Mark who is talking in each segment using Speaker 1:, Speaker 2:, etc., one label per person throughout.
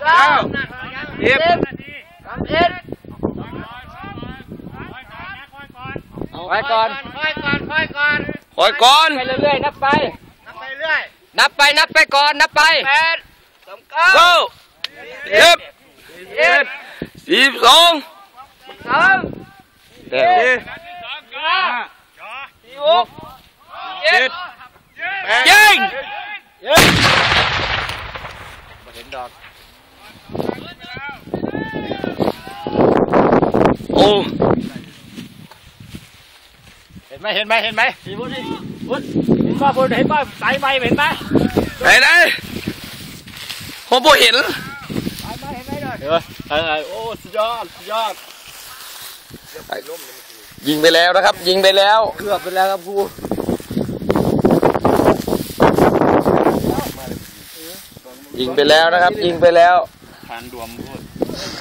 Speaker 1: ไปก่อนคอยก่อนไปเรื่อยๆนับไปนับไปก่อนนับไป9 10 12เดี๋ยวยิงเห็นดอกโอ้เห็นไหมพี่บุญนี่บุญเห็นป่ะสายไฟเห็นไหมไหนผมบ่เห็นสายไฟเห็นไหมเลยโอ้สุดยอดยิงไปแล้วนะครับยิงไปแล้วเกือบไปแล้วครับครูยิงไปแล้วนะครับยิงไปแล้วทานดวมพูด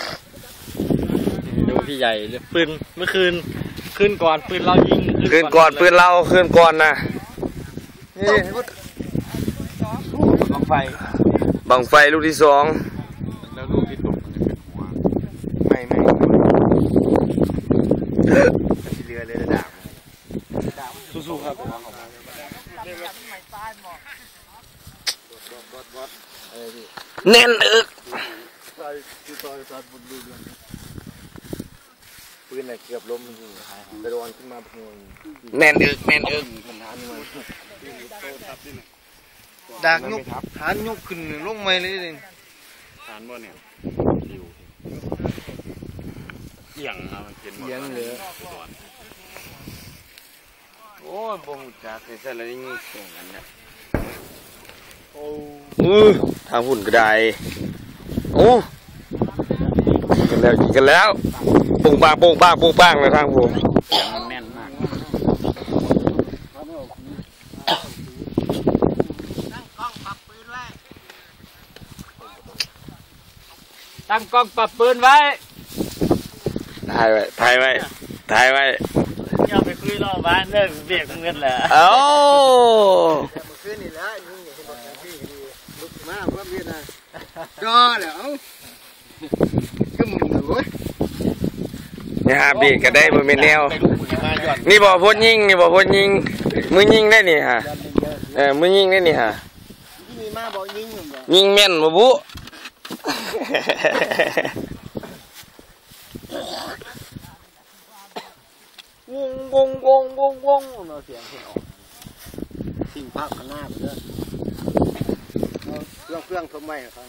Speaker 1: ดูพี่ใหญ่ปืนเมื่อคืนขึ้นก่อนปืนเรายิงขึ้นก่อนนะนี่บังไฟลูกที่2แล้วลูกที่ตกมันจะเป็นหัวไม่เรือเลยดาบสู้ๆครับแน่นอึกปืนไหนเกือบล้มไปโดนขึ้นมาแน่นอึกดักยกฐานยกขึ้นลงไม่เลยฐานบ่เนี่ยเอียงมันเป็นเอียงเลยโอ้ยบ่หูจักใส่แล้วนี่ส่งกันเนี่ยทางหุ่นก็ได้โอ้ยิงกันแล้วปุ้งปังเลยทางผมแน่นมากตั้งกล้องปรับปืนไว้ถ่ายไว้อย่าไปคุยรอบบ้านเลิกเบียกเงินแหละเอ้าคืนนี่แล้วยิงอย่างที่บอกพี่ลุกมาเพิ่มเวียนนะก็แล้วก็มึงดูนี่ฮะเบียกก็ได้บนเมนแนวนี่บอกพดยิงมือยิงได้นี่ฮะมือยิงได้นี่ฮะยิงแม่นบ่บุวงเราเสียงออกสิ่งภาพข้างหน้าไปเลยเครื่องทำไมครับ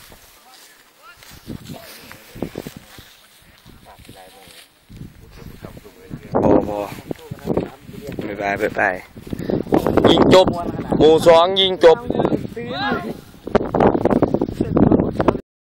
Speaker 1: โอ้ไปยิงจบหมู่2ยิงจบ